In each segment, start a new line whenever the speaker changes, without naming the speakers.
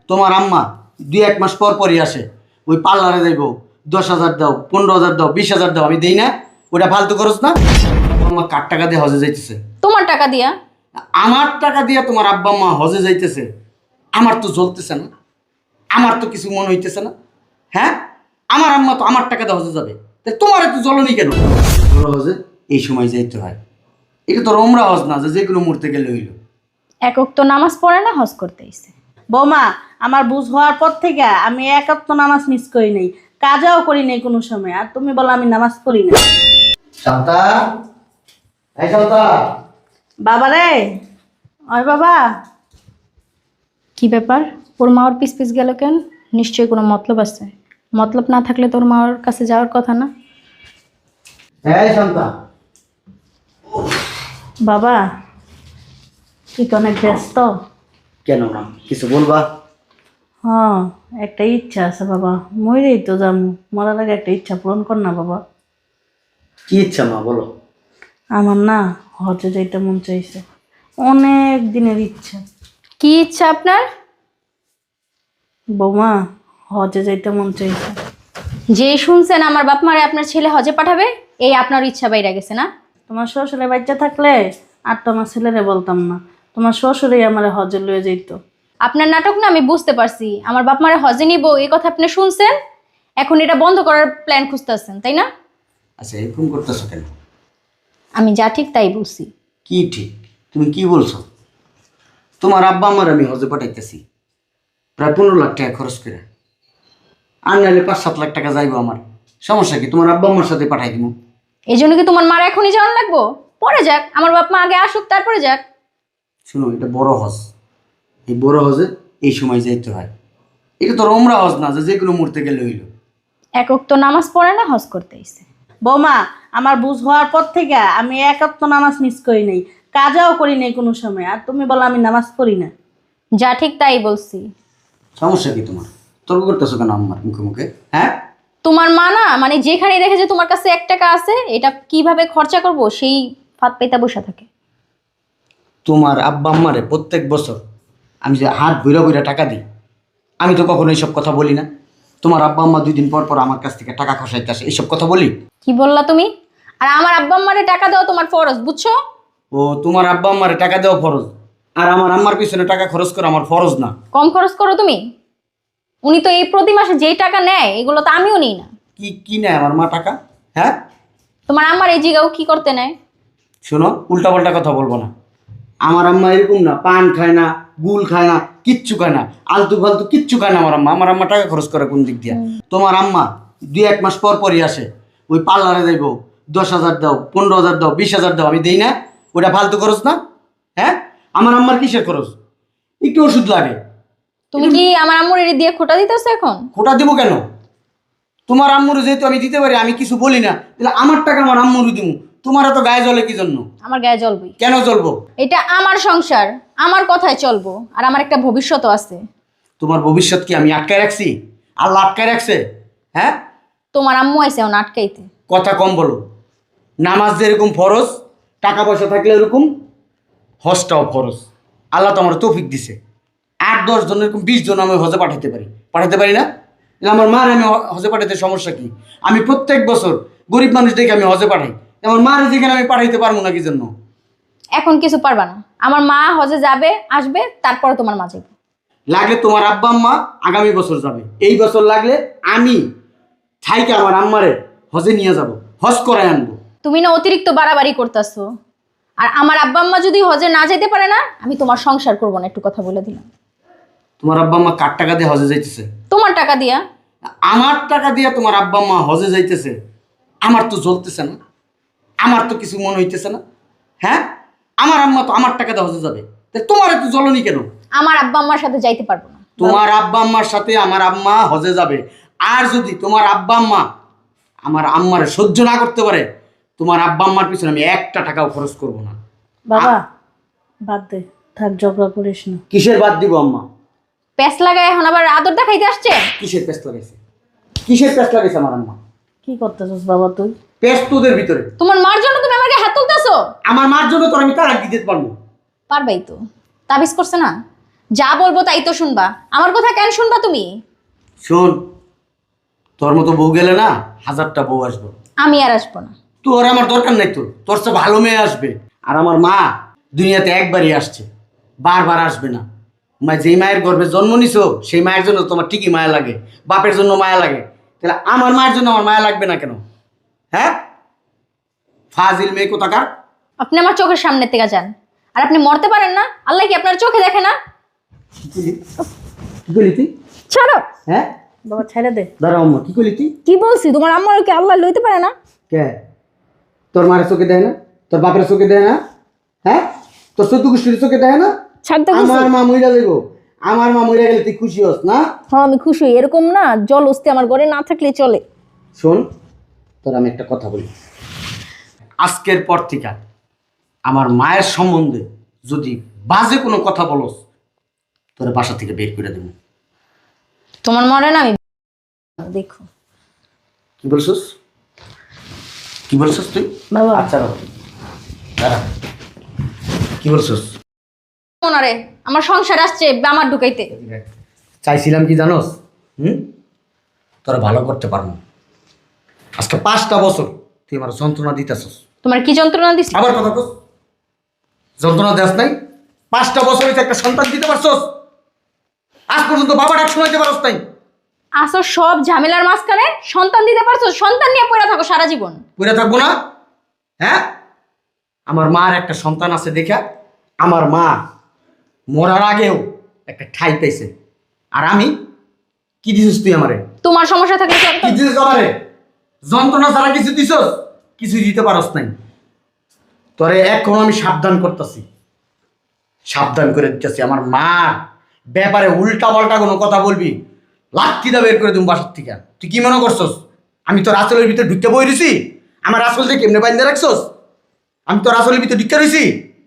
তোমার আম্মা 2-1 মাস পর পরই আসে, ওই পার্লারে যাইব, 10,000 দাও, 15,000 দাও, 20,000 দাও, আমি দেই না? ওটা ফালতু খরচ না? আম্মা কার টাকা দিয়ে হজে যাইতেছে?
তোমার টাকা দিয়া।
আমার টাকা দিয়ে তোমার আব্বা আম্মা হজে যাইতেছে, আমার তো জ্বলতেছে না, আমার তো কিছু মনে হইতেছে না। হ্যাঁ, আমার আম্মা তো আমার টাকা দিয়ে হজে যাবে, তাই তোমার এত জ্বলনি কেন? বড় হজে এই সময় যাইতে হয়, এটা তো রোমরা হজ না যে কোনো মুহূর্তে গেলে হইল।
একক তো নামাজ পড়ে না, হজ করতে আইছে।
বৌমা, আমার বুঝ হওয়ার পর থেকে আমি একাত্ম নামাজ মিস করি নাই, কাজাও করি নাই কোনো সময়, আর তুমি বলো আমি নামাজ পড়ি না।
শান্তা, এই শান্তা।
বাবা রে, ওই বাবা।
কি ব্যাপার? ওর মা ওর পিস পিস গেল কেন? নিশ্চয়ই কোনো মতলব আছে। মতলব না থাকলে তোর মা ওর কাছে যাওয়ার কথা না।
এই শান্তা।
বাবা, তুই তো অনেক ব্যস্ত।
কেন না, কিছু বলবা?
হ্যাঁ, একটা ইচ্ছা আছে বাবা, মরেই তো যাম, মরার আগে একটা ইচ্ছা পূরণ কর না বাবা।
কি ইচ্ছা মা, বলো।
আমার না হজে যাইতে মন চাইছে, অনেক দিনের ইচ্ছা।
কি ইচ্ছা আপনার?
বৌমা, হজে যাইতে মন চাইছে।
যে শুনছেন আমার বাপ মারে আপনার ছেলে হজে পাঠাবে, এই আপনার ইচ্ছা বাইরে গেছে না?
তোমার শ্বশুরের বাচ্চা থাকলে আর তোমার ছেলেরে বলতাম না, তোমার শ্বশুরেই আমার হজে লয়ে যাইতো।
আপনার নাটক না আমি বুঝতে পারছি। আমার বাপ মারে হজে নিব এই কথা আপনি শুনছেন, এখন এটা বন্ধ করার প্ল্যান খুঁজতেছেন, তাই না?
আচ্ছা, এরকম করতেছো কেন?
আমি যা ঠিক তাই বলছি।
কি ঠিক? তুমি কি বলছো? তোমার আব্বা আমার আমি হজে পাঠাইতেছি, প্রায় 15 লাখ টাকা খরচ করে। আর নাহলে 5-7 লাখ টাকা যাইবো আমার, সমস্যা কি? তোমার আব্বা আমার সাথে পাঠাই দিব।
এই জন্য কি তোমার মার এখনই যাওয়ার লাগবো? পরে যাক, আমার বাপ মা আগে আসুক তারপরে যাক।
শুনো, এটা বড় হজ, এই বড় হজে এই সময় যাইতে হয়, এটা তো রোমরা হজ না যে কোনো মুহূর্তে গেলে হইল।
একক তো নামাজ পড়ে না, হজ করতে আইছে।
বৌমা, আমার বুঝ হওয়ার পর থেকে আমি একাত্ম নামাজ মিস করি নাই, কাজাও করি নাই কোনো সময়, আর তুমি বলো আমি নামাজ পড়ি না।
যা ঠিক তাই বলছি।
সমস্যা কি তোমার? তর্ক করতেছো কেন আমার মুখে মুখে? হ্যাঁ,
তোমার মা না মানে যেখানে দেখে যে তোমার কাছে 1 টাকা আছে, এটা কিভাবে খরচা করব সেই ফাঁদ পেতে বসে থাকে।
তোমার আব্বা আম্মারে প্রত্যেক বছর আমি যে হাত ভৈরা ভৈরা টাকা দিই, আমি তো কখনো এইসব কথা বলি না। তোমার আব্বা আম্মা 2 দিন পর পর আমার কাছ থেকে টাকা খসাইতে আসে, এইসব কথা বলি?
কি বললা তুমি? আর আমার আব্বা আম্মারে টাকা দেওয়া তোমার ফরজ, বুঝছো?
ও, তোমার আব্বা আম্মারে টাকা দেওয়া ফরজ, আর আমার আম্মার পিছনে টাকা খরচ করা আমার ফরজ না?
কম খরচ করো তুমি। উনি তো এই প্রতি মাসে যেই টাকা নেয় এগুলো তো আমিও নিই না।
কি কি নেয় আমার মা টাকা? হ্যাঁ,
তোমার আম্মার এই জিগাও কি করতে নেয়?
শোনো, উল্টাপাল্টা কথা বলবো না। আমার আম্মা এরকম না, পান খায় না, গুল খায় না, কিচ্ছু খায় না, আলতু ফালতু কিচ্ছু খায় না। আমার আম্মা টাকা খরচ করে কোন দিক দিয়ে? তোমার আম্মা 2-1 মাস পর পরই আসে, ওই পার্লারে যাইব, 10,000 দাও, 15,000 দাও, 20,000 দাও, আমি দেই না? ওটা ফালতু খরচ না? হ্যাঁ, আমার আম্মার কিসের খরচ? একটু ওষুধ লাগে।
তুমি কি আমার আম্মুর এর দিয়ে খোটা দিতেছো এখন?
খোটা দিব কেন? তোমার আম্মুরও যেহেতু আমি দিতে পারি, আমি কিছু বলি না, তাহলে আমার টাকা আমার আম্মুরও দিব। তোমার এত গায়ে জ্বলে কি জন্য?
আমার গায়ে জ্বলবই।
কেন জ্বলবো?
এটা আমার সংসার, আমার কথায় চলবো, আর আমার একটা ভবিষ্যৎও আছে।
তোমার ভবিষ্যৎ কি আমি আটকায় রাখছি? আল্লাহ আটকায় রাখছে? হ্যাঁ,
তোমার আম্মু আইছে ওনা আটকাইতে।
কথা কম বলো। নামাজ যেরকম ফরজ, টাকা পয়সা থাকলে এরকম হজটাও ফরজ। আল্লাহ তো আমার তৌফিক দিছে, 8-10 জন এরকম 20 জন আমি হজে পাঠাতে পারি না? তাহলে আমার মার আমি হজে পাঠাতে সমস্যা কি? আমি প্রত্যেক বছর গরিব মানুষ দেখে আমি হজে পাঠাই, আমার মার যেখানে আমি পাঠাইতে পারবো না কি জন্য?
এখন কিছু পারবা না। আমার মা হজে যাবে আসবে, তারপরে তোমার মা যাবে।
লাগলে তোমার আব্বা আম্মা আগামী বছর যাবে, এই বছর লাগলে আমি থাইকে আমার আম্মারে হজে নিয়ে যাব, হজ করায় আনবো।
তুমি না অতিরিক্ত বাড়াবাড়ি করতেছো। আর আমার আব্বা আম্মা যদি হজে না যেতে পারে না, আমি তোমার সংসার করবো না, একটু কথা বলে দিলাম।
তোমার আব্বা আম্মা কার টাকা দিয়ে হজে যাইতেছে?
তোমার টাকা দিয়া।
আমার টাকা দিয়ে তোমার আব্বা আম্মা হজে যাইতেছে, আমার তো জ্বলতেছে না, আমার তো কিছু মনে হইতেছে না। হ্যাঁ, আমার আম্মা তো আমার টাকা দিয়ে হজে যাবে, তাই তোমার এত জ্বলনি কেন?
আমার আব্বা আম্মার সাথে যাইতে পারবো না।
তোমার আব্বা আম্মার সাথে আমার আম্মা হজে যাবে, আর যদি তোমার আব্বা আম্মা আমার আম্মারে সহ্য না করতে পারে, তোমার আব্বা আম্মার পিছনে আমি 1 টাকাও খরচ করব না।
বাবা, বাদ দে, থাক, ঝগড়া করিস না।
কিসের বাদ দিব আম্মা?
প্যাস লাগায় এখন আবার আদর দেখাইতে আসছে।
কিসের পেস্ট লাগাইছে? কিসের পেস্ট লাগাইছে আমার আম্মা?
কি করতেছিস বাবা তুই?
পেস্ট তোদের ভিতরে।
তোমার মার জন্য তুমি আমাকে হাত তুলতেছো।
আমার মার জন্য তোর আমি তালাক দিতে পারবো?
পারবাই তো, তাবিজ করছে না।
যা বলবো তাই তো শুনবা, আমার কথা কেন শুনবা তুমি?
শোন, তোর মতো বউ গেলে না 1000টা বউ আসবে।
আমি আর আসবো না।
তোর আমার দরকার নাই, তোর চেয়ে ভালো মেয়ে আসবে। আর আমার মা দুনিয়াতে একবারই আসছে, বারবার আসবে না। মা যেই মায়ের গর্ভে জন্ম নিছো সেই মায়ের জন্য তোমার ঠিকই মায়া লাগে, বাপের জন্য মায়া লাগে, তাহলে আমার মায়ের জন্য আমার মায়া লাগবে না কেন? হ্যাঁ, ফাজিল মেয়ে কোথাকার।
আপনি আমার চোখের সামনে থেকে যান। আর আপনি মরতে পারেন না? আল্লাহ কি আপনার চোখে দেখে না?
কি করলি তুই?
ছাড়ো।
হ্যাঁ,
বাবা ছেড়ে দে।
দাঁড়া আম্মা, কি করলি তুই?
কি বলছি? তোমার আম্মার কি আল্লাহ লইতে পারে না?
কে? তোর মায়ের চোখে দেয় না? তোর বাপের চোখে দেয় না? হ্যাঁ, তোর চোদ্দ গোষ্ঠীর চোখে দেয় না?
ছাড়তে
আমার মা মইরা যাইব, আমার মা মইরা গেলে তুই খুশি হস না?
হ্যাঁ আমি খুশি। এরকম না, জল অস্তি আমার ঘরে না থাকলে চলে।
শোন, তোর আমি একটা কথা বলি, আজকের পর থেকে আমার মায়ের সম্বন্ধে যদি বাজে কোনো কথা বলস, তোর বাসা থেকে বের করে দেবো।
তোমার মরে না আমি দেখো।
কি বলছিস? কি বলছিস তুই?
বাবা
আচ্ছা বাবা, দাঁড়া। কি বলছিস?
মনারে আমার সংসার আসছে আমার ঢুকাইতে।
চাইছিলাম কি জানোস? তোরা ভালো করতে পারবো। আজকে 5টা বছর তুই আমার যন্ত্রণা দিতেছস।
তোমার কি যন্ত্রণা দিছি?
আবার কথা কস, যন্ত্রণা দেস নাই? 5টা বছর হইতে একটা সন্তান দিতে পারছস, আজ পর্যন্ত বাবা ডাক শোনাইতে পারস নাই।
আসো সব ঝামেলার মাঝখানে সন্তান দিতে পারছো, সন্তান নিয়ে পড়ে থাকো সারা জীবন।
পড়ে থাকবো না? হ্যাঁ, আমার মার একটা সন্তান আছে দেখা আমার মা মরার আগেও একটা ঠাই পেয়েছে। আর আমি কি দিছিস তুই আমারে?
তোমার সমস্যা থাকলে
কি দিছিস আমারে? যন্ত্রণা ছাড়া কিছু দিছস? কিছু দিতে পারস নাই। তোরে এখন আমি সাবধান করতেছি, সাবধান করে দিতেছি। আমার মা ব্যাপারে উল্টা পাল্টা কোনো কথা বলবি, লাঠি দা বের করে তুমি বাসার থেকে। তুই কি মনে করছস আমি তোর আসলের ভিতরে ঢুকতে বই রইছি? আমার আসল থেকে কেমনে বাইন্দা রাখছস? আমি তোর আসলের ভিতরে ঢুকতে রইছি?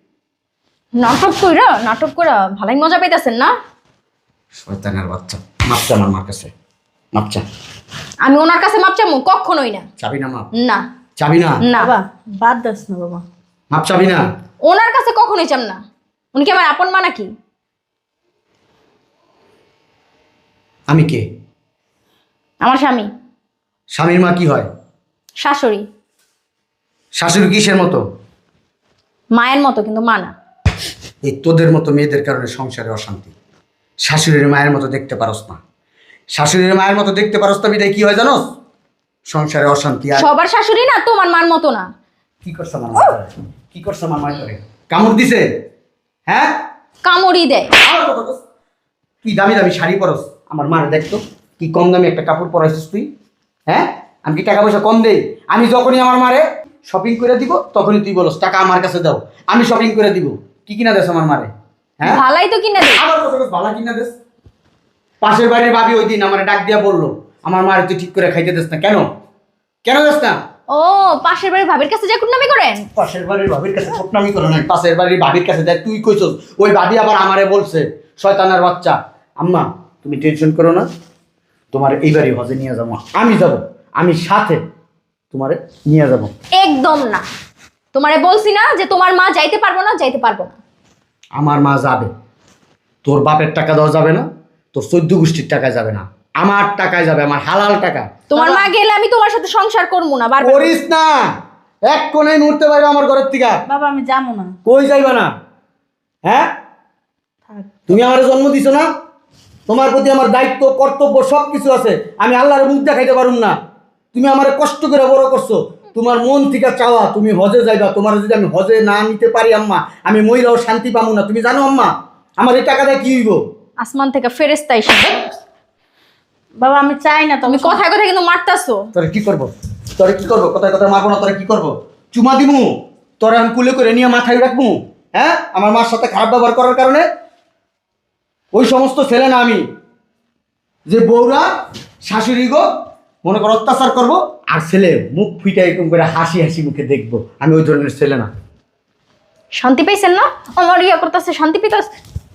নাটক কইরা ভালোই মজা পাইতেছেন না?
শয়তানের বাচ্চা, মাপচা আমার মার কাছে, মাপচা।
আমি ওনার কাছে মাপ চামু? কখনোই না।
চাবি না মাপ?
না
চাবি না?
না
বাবা বাদ দাস না বাবা।
মাপ চাবি না?
ওনার কাছে কখনোই চাম না। উনি কি আমার আপন মা নাকি?
আমি কে?
আমার স্বামী।
স্বামীর মা কি হয়?
শাশুড়ি।
শাশুড়ি কিসের মতো?
মায়ের মতো, কিন্তু মা না।
এই তোদের মতো মেয়েদের কারণে সংসারে অশান্তি। শাশুড়ির মায়ের মতো দেখতে পারস না, শাশুড়ির মায়ের মতো দেখতে পারস না বিদায় কি হয় জানোস? সংসারে অশান্তি। আর
সবার শাশুড়ি না তোমার মার মতো না।
কি করছ আমার মা করে? কি করছ আমার মা করে? কামড় দিছে? হ্যাঁ,
কামড়ি দেয়।
আবার কথা কস। তুই দামি দামি শাড়ি পরস, আমার মার দেখতো কি কম দামি একটা কাপড় পরাইছিস তুই। হ্যাঁ, আমি কি টাকা পয়সা কম দেই? আমি যখনই আমার মারে শপিং করে দিব তখনই তুই বলস টাকা আমার কাছে দাও, আমি শপিং করে দিব। কি কিনা দেস আমার মারে? হ্যাঁ,
ভালাই তো কিনা দেয়।
আবার কথা কস, ভালা কিনা দেস? পাশের বাড়ির ভাবি ওই দিন আমার ডাক দিয়া বললো আমার মারে তুই ঠিক করে খাইতে দেস না কেন? কেন দেস না?
ও পাশের বাড়ির ভাবির কাছে যা কুটনামি করেন?
পাশের বাড়ির ভাবির কাছে বদনামি করো না, পাশের বাড়ির ভাবির কাছে দেখ তুই কইছস। ওই ভাবি আবার আমারে বলছে শয়তানের বাচ্চা, আম্মা তুমি টেনশন করো না, তোমার এইবারই হজে নিয়ে যাবো। আমি যাব, আমি সাথে তোমারে নিয়ে যাব।
একদম না। তোমারে বলছি না যে তোমার মা যাইতে পারবো না, যাইতে পারবো না।
আমার মা যাবে, তোর বাপের টাকা দেওয়া যাবে না, তোর 14 গোষ্ঠীর টাকায় যাবে না, আমার টাকায় যাবে, আমার হালাল টাকা।
তোমার মা গেলে আমি তোমার সাথে সংসার করবো না। বারবার
করিস না, এক কোণে মুহূর্তে বাইরে আমার ঘরের থেকে।
বাবা আমি যাবো না।
কই যাইবা না? হ্যাঁ,
থাক।
তুমি আমার জন্ম দিছো না, তোমার প্রতি আমার দায়িত্ব কর্তব্য সব কিছু আছে। আমি আল্লাহর মুখ দেখাইতে পারুম না। তুমি আমার কষ্ট করে বড় করছো, তোমার মন থেকে চাওয়া তুমি হজে যাইবা। তোমার যদি আমি হজে না নিতে পারি আম্মা, আমি মহিলাও শান্তি পাবো না। তুমি জানো আম্মা আমার এই টাকা দিয়ে কি হইব?
আসমান থেকে ফেরেশতা এসে
বাবা আমি চাই না
তুমি
তুমি
কথায় কথায় কিন্তু মারতাছো।
তোরে কি করবো? তোরে কি করবো? কথায় কথায় মারবো না, তোরে কি করবো? চুমা দিমু? তোরে আমি কুলে করে নিয়ে মাথায় রাখবো? হ্যাঁ, আমার মার সাথে খারাপ ব্যবহার করার কারণে? ওই সমস্ত ছেলে না আমি, যে বউরা শাশুড়ি গো মনে করো অত্যাচার করবো আর ছেলে মুখ ফুইটা এরকম করে হাসি হাসি মুখে দেখবো, আমি ওই ধরনের ছেলে না।
শান্তি পাইছেন না? আমার ইয়া করতেছে, শান্তি পাইতাছে।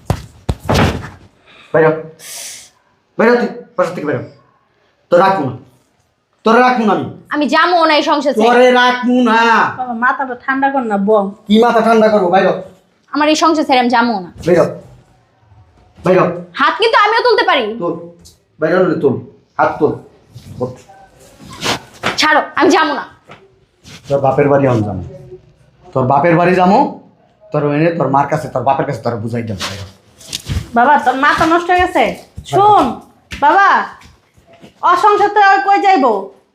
বাইরে বাইরে, তুই বাসা থেকে বেরো। তো রাখবো না, তোরে রাখবো না আমি,
আমি যাবো না এই সংসার ছেড়ে।
তোরে রাখবো না।
বাবা মাথাটা ঠান্ডা কর না বল।
কি মাথা ঠান্ডা করবো? বাইরে
আমার এই সংসার ছেড়ে আমি যাবো না।
বেরো বাইর হ।
হাত কিন্তু আমিও তুলতে পারি।
তোল, বাইর হলে তোল, হাত তোল। ওঠ।
ছাড়ো, আমি যাবো না।
তোর বাপের বাড়ি আমি যাবো, তোর বাপের বাড়ি যাবো, তোর এনে তোর মার কাছে তোর বাপের কাছে তোর বুঝাই দেবো।
বাবা তোর মাথা নষ্ট হয়ে গেছে। শুন বাবা, অসংসার তো আর কই যাইবো,